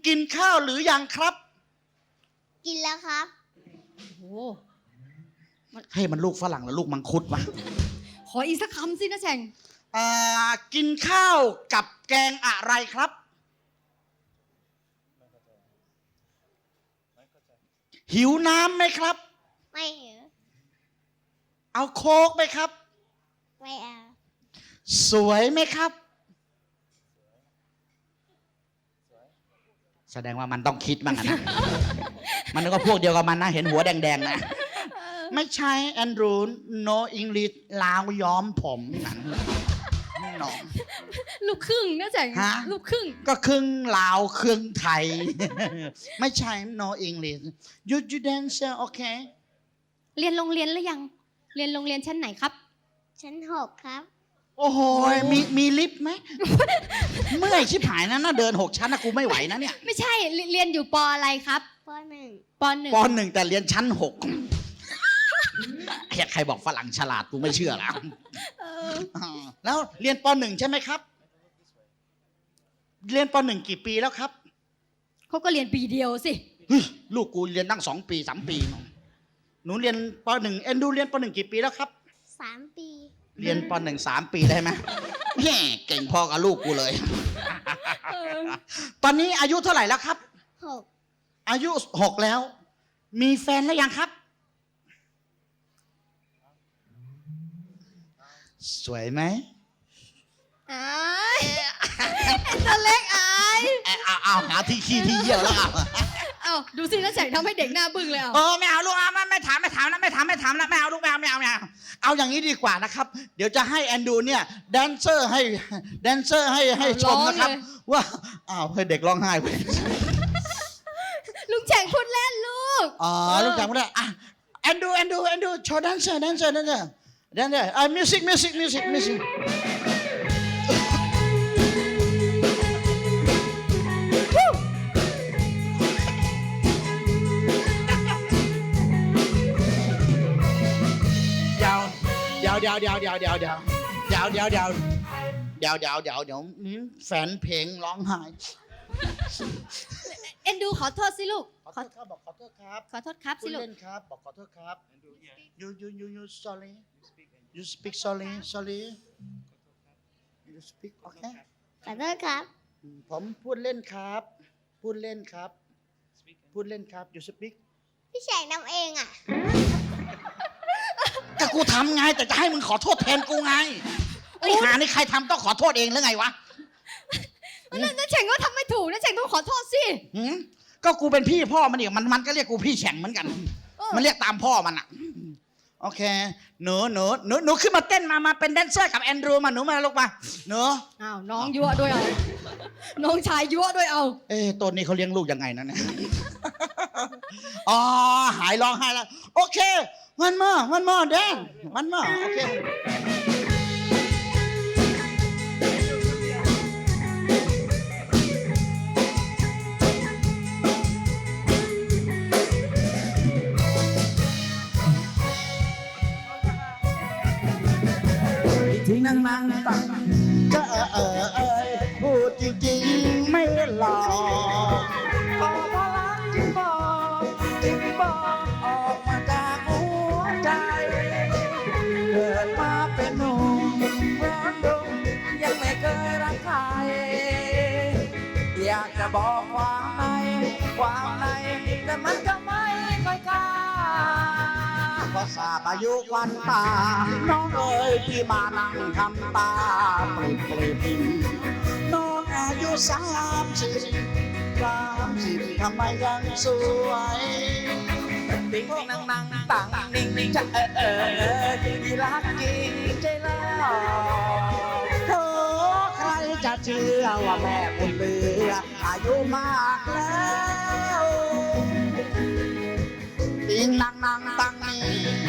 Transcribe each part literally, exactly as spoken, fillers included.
กินข้าวหรือยังครับกินแล้วครับโอ้ให้มันลูกฝรั่งหรือลูกมังคุดวะขออีกสักคำสินะแฉ่งอ่ากินข้าวกับแกงอะไรครับหิวน้ำไหมครับไม่หิวเอาโค้กไหมครับไม่เอาสวยไหมครับแสดงว่ามันต้องคิดบ้างนะ มันก็พวกเดียวกับมันนะเห็นหัวแดงๆนะไม่ใช่แอนดรู no English ลาวย้อมผมนั่นน้องลูกครึ่งนะแฉ่งลูกครึ่งก็ครึ่งลาวครึ่งไทย ไม่ใช่ no English you you dancer okay เรียนโรงเรียนหรือยังเรียนโรงเรียนชั้นไหนครับชั้นหกครับโอ้โหมีมีลิฟต์ไหม เมื่อยชิบหายนะน่าเดินหกชั้นนะกูไม่ไหวนะเนี่ยไม่ใช่เรียนอยู่ปออะไรครับปหนึ่งปหนึ่งปหนึ่งแต่เรียนชั้นหกใครบอกฝรั่งฉลาดกูไม่เชื่อแล้วแล้วเรียนปหนึ่งใช่ไหมครับเรียนปหนึ่งกี่ปีแล้วครับเขาก็เรียนปีเดียวสิลูกกูเรียนตั้งสองปีสามปีหนูเรียนปหนึ่งเอ็นดูเรียนปหนึ่งกี่ปีแล้วครับสามปีเรียนปหนึ่งสามปีได้ไหมแย่เก่งพอกับลูกกูเลยตอนนี้อายุเท่าไหร่แล้วครับหกอายุหกแล้วมีแฟนแล้วยังครับสวยไหมอายตัวเล็กอายเอาเอาหาที่ขี้ที่เยี่ยวแล้วเอาเอาดูสินะแฉ่งทำให้เด็กหน้าบึ้งเลยอ่ะเออไม่เอาลูกไม่ไม่ถามไม่ถามนะไม่ถามไม่ถามนะไม่เอาลูกไม่เอาไม่เอาไม่เอาเอาอย่างนี้ดีกว่านะครับเดี๋ยวจะให้แอนดูเนี่ยแดนเซอร์ให้แดนเซอร์ให้ให้ชมนะครับว่าอ้าวให้เด็กร้องไห้ไปลุงแฉ่งพูดเล่นลูกอ๋อลุงแฉ่งพูดเล่นอ่ะแอนดูแอนดูแอนดูโชว์แดนเซอร์แดนเซอร์แดนเซอร์แดนเซอร์อ่ะมิวสิกมิวสิกมิวสิกมิวสิกเดี๋ยวเดี๋ยวเดี๋ยวเดี๋ยวเดี๋ยวเดี๋ยวเดี๋ยวเดี๋ยวเดี๋ยวเดี๋ยวเดี๋ยวเดี๋ยวเดี๋ยวนี่แฟนเพลงร้องไห้เอ็นดูขอโทษสิลูกขอโทษครับบอกขอโทษครับขอโทษครับสิลูกเล่นครับบอกขอโทษครับ you you you you sorry you speak sorry sorry you speak okay ขอโทษครับผมพูดเล่นครับพูดเล่นครับพูดเล่นครับ you speak พี่แฉ่งนำเองอ่ะก็กูทำไงแต่จะให้มึงขอโทษแทนกูไงไอ้หานี่ใครทำต้องขอโทษเองหรือไงวะนั่นนั่นแฉ่งก็ทำไม่ถูกนั่นแฉ่งต้องขอโทษสิก็กูเป็นพี่พ่อมันอีกมันมันก็เรียกกูพี่แฉ่งเหมือนกันมันเรียกตามพ่อมันอ่ะโอเคหนูหนูหนูหนูขึ้นมาเต้นมามาเป็นแดนเซอร์กับแอนดรูมาหนูมาลูกมาหนูอ้าวน้องยั่วด้วยเอาน้องชายยั่วด้วยเอาเอ๊ะตัวนี้เขาเลี้ยงลูกยังไงนะเนี่ยอ๋อหายร้องไห้แล้วโอเควันมอวันมอแดนวันมอโอเคที่นั่งนั่งตังก็เออเออเออพูดจริงๆไม่หลอกขอพลังจึงบอกจึงบอกออกมาจากหัวใจเกิดมาเป็นหนุ่มร้อนรุ่มยังไม่เคยรักใครอยากจะบอกความในความในแต่มันก็ไม่ค่อยกล้าพอทราบอายุวันตาน้องเอ๋ยที่มานั่งทำตาปริบปริบน้องอายุสามสิบสามสิบทำไมยังสวยติ้งนั่งนั่งต่างนิ่งนิ่งจะเออเออที่รักจริงใจแล้วโอ้ใครจะเชื่อว่าแม่บุญเหลืออายุมากแล้วติ้งนั่งนั่งต่างนี่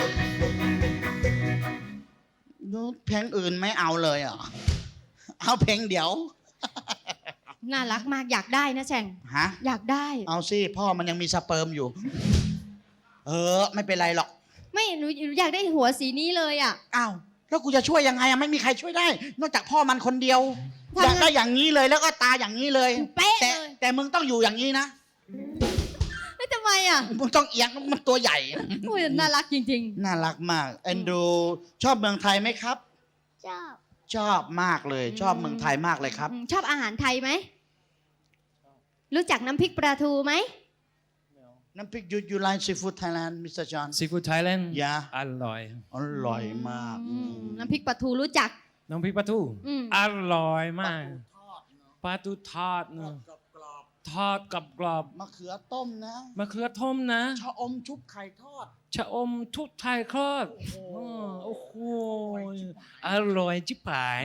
เพลงอื่นไม่เอาเลยเหรอเอาเพลงเดี๋ยวน่ารักมากอยากได้นะแฉ่งฮะอยากได้เอาสิพ่อมันยังมีสเปิร์มอยู่เออไม่เป็นไรหรอกไม่หนูอยากได้หัวสีนี้เลยอ่ะอ้าวแล้วกูจะช่วยยังไงอ่ะไม่มีใครช่วยได้นอกจากพ่อมันคนเดียวทำไงอยากได้อย่างนี้เลยแล้วก็ตาอย่างนี้เลยเป๊ะแต่เลยแต่มึงต้องอยู่อย่างนี้นะแล้วทำไมอ่ะมึงต้องเอียงมันตัวใหญ่โอ้ยน่ารักจริงน่ารักมากเอ็นดูชอบเมืองไทยไหมครับชอบชอบมากเลยอืมชอบเมืองไทยมากเลยครับอืมชอบอาหารไทยไหม รู้จักน้ำพริกปลาทูไหมน้ำพริกยูยูไลซีฟู้ดไทยแลนด์มิสเตอร์จอห์น Seafood Thailand ยาอร่อยอร่อยมากอืมน้ำพริกปลาทูรู้จักน้ำพริกปลาทูอืมอร่อยมากปลาทูทอดเนอะทอดกับกรอบมะเขือต้มนะมะเขือต้มนะชะอมชุบไข่ทอดชะอมทุกไทยคลอดอ๋อโอ้โหอร่อยจิ๋ปาย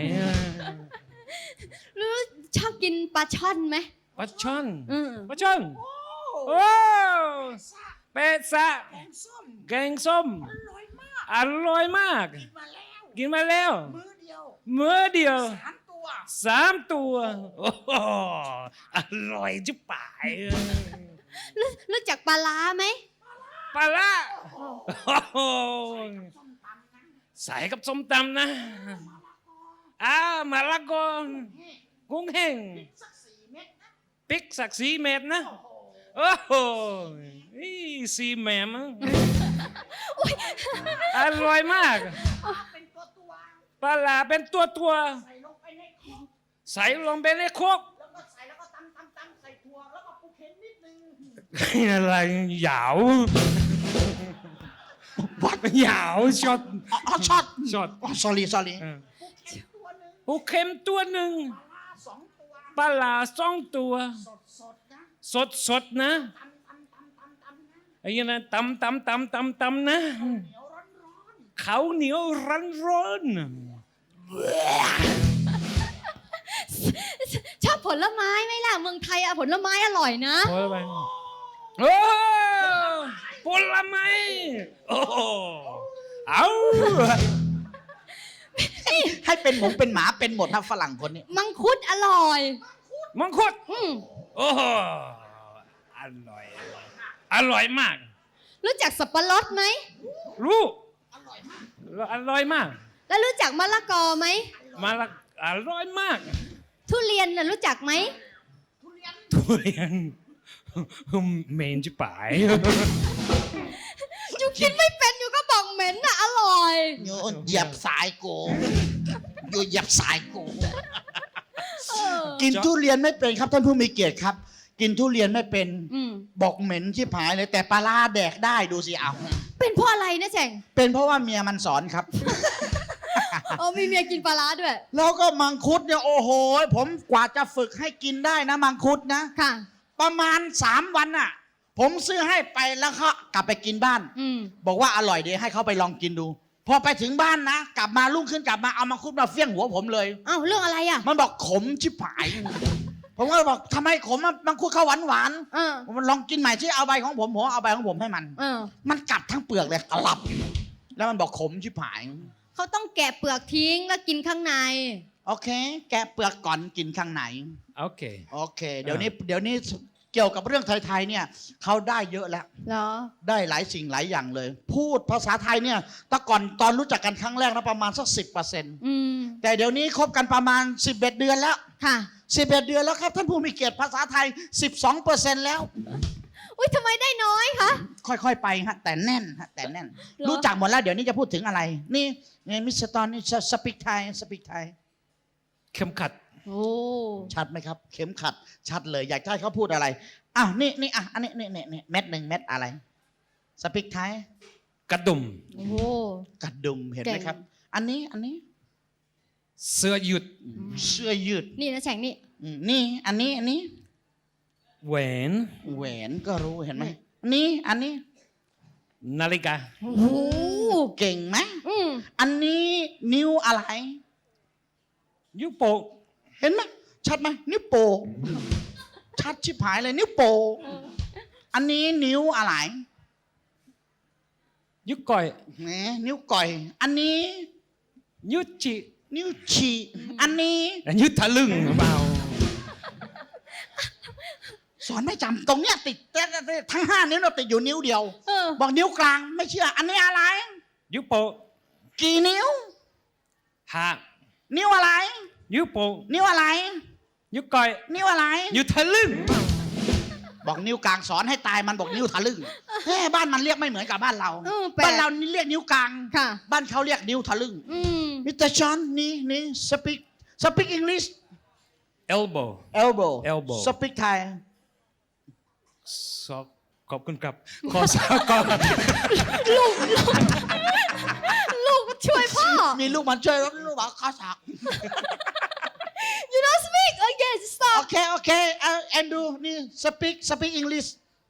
รู้ชอบกินปลาช่อนไหมปลาช่อนอืมปลาช่อนโอ้เป็ดสะแกงส้มอร่อยมากกินมาแล้วมื้อเดียวมื้อเดียวสามตัวสามตัวโอ้โหอร่อยจิ๋ปายรู้รู้จักปลาล้าไหมปลาละโอ้โหใส่กับส้มตำนะอ่ามะละกอกุ้งแห้งพริกสักสีเม็ดนะโอ้โหนี่สีแหมมอะอร่อยมากปลาลาเป็นตัวตัวใส่ลงไปในโคกอะไรหยาววัดหยาวช็อตอ๋อช็อตช็อตอ๋อ sorry sorry ปูเข็มตัวหนึ่งปลาลาสองตัว สดสดนะไอ้ยันนะตำตำตำตำตำนะเขาวเหนียวร้อนร้อนชอบผลไม้ไหมล่ะ เมืองไทยอะผลไม้อร่อยนะโอ้ยไปโอ้ผลไม้โอ้เอาให้เป็นหมูเป็นหมาเป็นหมดถ้าฝรั่งคนนี้มังคุดอร่อยมังคุดอืมโอ้อร่อยอร่อยมากรู้จักสับปะรดไหมรู้อร่อยมากอร่อยมากแล้วรู้จักมะละกอไหมมาละอร่อยมากทุเรียนน่ะรู้จักไหมทุเรียนเมนจะป่ายอยู่กินไม่เป็นอยู่ก็บอกเหม็นน่ะอร่อยโยนเหยียบสายโกโยนเหยียบสายโกเออกินทุเรียนไม่เป็นครับท่านผู้มีเกียรติครับ กินทุเรียนไม่เป็นอืมบอกเหม็นชิบหายเลยแต่ปลาร้าแดกได้ดูสิเอาเป็นเพราะอะไรนะแจงเป็นเพราะว่าเมียมันสอนครับอ๋อมีเมียกินปลาร้าด้วยแล้วก็มังคุดเนี่ยโอ้โหผมกว่าจะฝึกให้กินได้นะมังคุดนะค่ะประมาณสามวันน่ะ ผมซื้อให้ไปแล้วเขากลับไปกินบ้านอืมบอกว่าอร่อยดีให้เขาไปลองกินดู พอไปถึงบ้านนะ กลับมารุ่งขึ้นกลับมาเอามังคุดมาเฟี้ยงหัวผมเลยอ้าวเรื่องอะไรอ่ะมันบอกขมชิบหาย ผมก็บอกทำไมขมอะมังคุดเขาหวานหวานเออๆมันลองกินใหม่ที่เอาใบของผมผมเอาใบของผมให้มันเออมันกัดทั้งเปลือกเลยกลับ แล้วมันบอกขมชิบหายเขาต้องแกะเปลือกทิ้งแล้วกินข้างในโอเค แกะเปลือกก่อนกินข้างในโอเคโอเค เดี๋ยวนี้เดี๋ยวนี้เกี่ยวกับเรื่องไทยๆเนี่ยเขาได้เยอะแล้วเหรอได้หลายสิ่งหลายอย่างเลย พูดภาษาไทยเนี่ยแต่ก่อนตอนรู้จักกันครั้งแรกนะประมาณสักสิบเปอร์เซ็นต์อืมแต่เดี๋ยวนี้คบกันประมาณสิบเอ็ดเดือนแล้วค่ะสิบเอ็ดเดือนแล้วครับท่านผู้มีเกียรติภาษาไทยสิบสองเปอร์เซ็นต์แล้วอุ้ยทำไมได้น้อยคะค่อยๆไปฮะแต่แน่นฮะแต่แน่นเหรอรู้จักหมดแล้วเดี๋ยวนี้จะพูดถึงอะไร นี่นี่มิสเตอร์ตอนนี่สปิกไทยสปิกไทยเข็มขัดโอ้ชัดไหมครับ เข็มขัดชัดเลย อยากให้เขาพูดอะไรอ่ะนี่นี่อ่ะอันนี้นี่นี่นี่เม็ดหนึ่งเม็ดอะไรสปิกไทยกระดุมโอ้โหกระดุมเห็นไหมเก่งครับ อันนี้อันนี้เสื้อยืดเสื้อยืดนี่นะแฉงนี่อืมนี่อันนี้อันนี้แหวนแหวนก็รู้เห็นไหมอันนี้อันนี้นาฬิกาโอ้โหเก่งไหมอืมอันนี้นิ้วอะไรยุโปะเห็นไหมชัดไหมนิ้วโป้งชัดชิบหายเลยนิ้วโป้งอันนี้นิ้วอะไรยุก่อยแหมนิ้วก่อย อันนี้ยุจินิ้วฉี่อันนี้ยุทะลึ่งหรือเปล่าสอนไม่จำตรงเนี้ยติดทั้งห้านิ้วเราติดอยู่นิ้วเดียวเออบอกนิ้วกลางไม่เชื่อ อันนี้อะไรยุโปะกี่นิ้วห้านิ้วอะไรนิ้วโป้งนิ้วอะไรนิ้วก้อยนิ้วอะไรนิ้วทะลึ่งบอกนิ้วกลางสอนให้ตายมันบอกนิ้วทะลึ่งเฮ้บ้านมันเรียกไม่เหมือนกับบ้านเราเออแปลกบ้านเรานี่เรียกนิ้วกลางค่ะบ้านเขาเรียกนิ้วทะลึ่งอืมมิสเตอร์จอห์นนี่นี่ speak speak English elbow elbow Elbow speak Thai สอบขอบคุณครับขอสอบก่อนลูกช่วยพ่อมีลูกมันช่วยลูกบอกข้าสัก you don't speak again โอ stop เคโอเคเออแอนดูนี่ speak speak English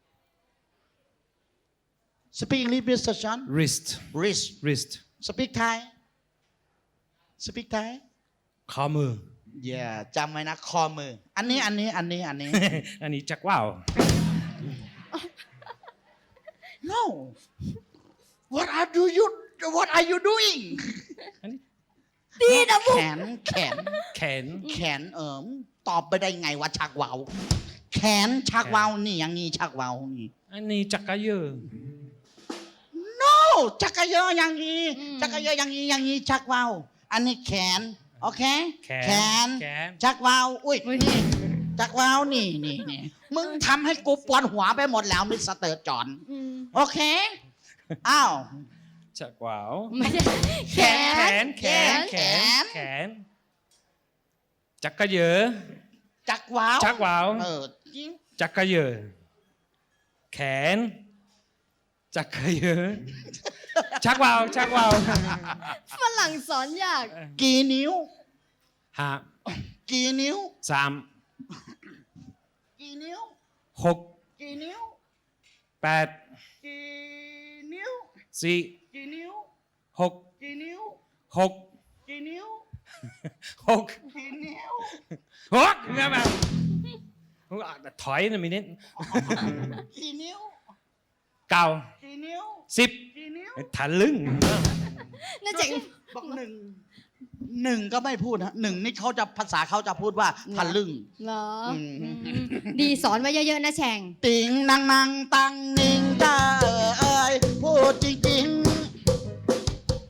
speak English มิสเตอร์จอห์น wrist wrist wrist speak Thai speak Thai ข้อมืออย่าจำไว้นะคอมือ อันนี้อันนี้อันนี้อันนี้อันนี้จักว่าว no what are do you what are you doing ดีนะบุแขนแขนแขนแขนเอิมตอบไปได้ไงว่าชักเวาวแขนชักเวาวนี่อย่างงี้ชักเวาวนี่อันนี้จักรยาน no จักรยานอย่างงี้จักรยานอย่างงี้อย่างงี้ชักเวาวอันนี้แขนโอเคแขแขนแขนชักเวาวอุ้ยนี่ชักเวาวนี่นี่นี่มึงทำให้กูปวดหัวไปหมดแล้วมิสเตอร์จอห์นอืมโอเคอ้าวจักว่าวไม่ใช่แขแขนนแขนแขนแขนแขนจักรยานจักรวาวจักรวาวเออจริงจักรยานแขนจักรยานชักว่าวชักว่าวฝรั่งสอนยากกี่นิ้วห้ากี่นิ้วสามกี่นิ้วหกกี่นิ้วแปดกี่นิ้วสี่กี่นิ้วหกกี่นิ้วหกกี่นิ้วหกกี่นิ้วหกเนี่ยมาถอยหน่อยมินิดกี่นิ้วเก้ากี่นิ้วสิบกี่นิ้วทะลึ่งน่าจะบอกหนึ่งหนึ่งก็ไม่พูดนะหนึ่งนี่เขาจะภาษาเขาจะพูดว่าทะลึ่งเหรออืมอืมดีสอนไว้เยอะๆนะแฉงติงนางนางตังนิงจ้าเอ๋ยพูดจริงๆ